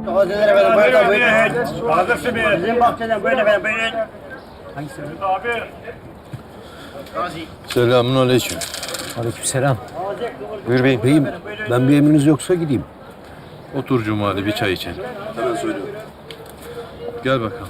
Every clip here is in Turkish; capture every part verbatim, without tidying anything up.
Tazeler efendim, buyurun buyurun. Hazırsın bir. Bizim bahçeden buyurun efendim, buyurun. Hangisi? Abi. Selamun aleyküm. Aleykümselam. Buyur beyim. Beyim, ben bir emriniz yoksa gideyim. Otur Cumali, bir çay içelim. Hemen söylüyorum. Gel bakalım.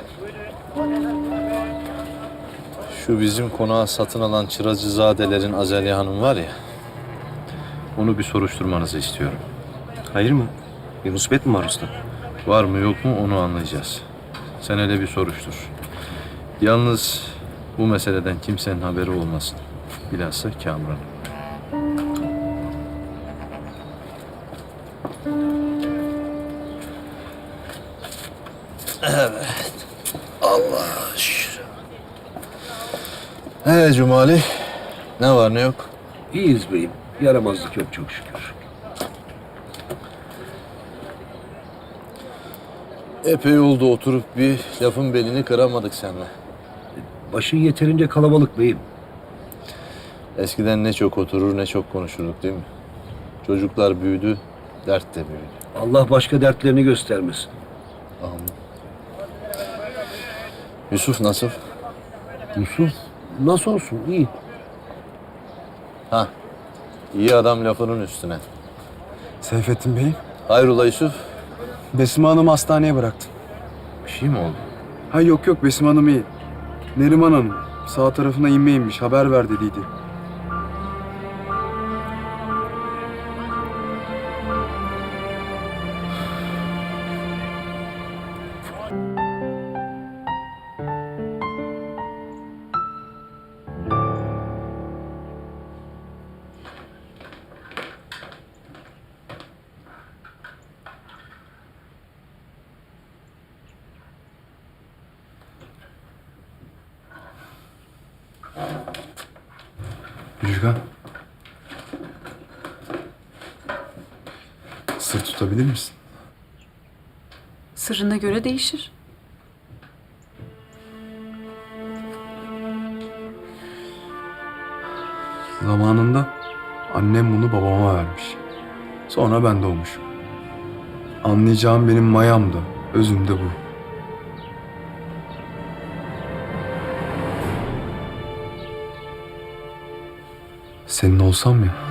Şu bizim konağı satın alan Çıracızadelerin Azaliye Hanım var ya... ...onu bir soruşturmanızı istiyorum. Hayır mı? Bir musibet mi var usta? Var mı yok mu onu anlayacağız. Sen hele bir soruştur. Yalnız bu meseleden kimsenin haberi olmasın. Bilhassa Kamran'ın. Evet. Allah'a şükür. He Cumali, ne var ne yok? İyiyiz beyim. Yaramazlık yok çok şükür. Epey oldu oturup bir lafın belini kıramadık seninle. Başı yeterince kalabalık beyim. Eskiden ne çok oturur ne çok konuşurduk değil mi? Çocuklar büyüdü, dert de büyüdü. Allah başka dertlerini göstermesin. Amin. Yusuf nasıl? Yusuf nasıl olsun? İyi. Ha, iyi adam lafının üstüne. Seyfettin Bey, Hayrola Yusuf? Besime Hanım'ı hastaneye bıraktım. Bir şey mi oldu? Ha yok yok, Besime Hanım iyi. Neriman Hanım sağ tarafına inme inmiş, haber ver dediydi. Müjgan. Sır tutabilir misin? Sırrına göre değişir. Zamanında annem bunu babama vermiş. Sonra ben doğmuşum. Anlayacağım benim mayam da, özüm de bu. Senin olsam ya.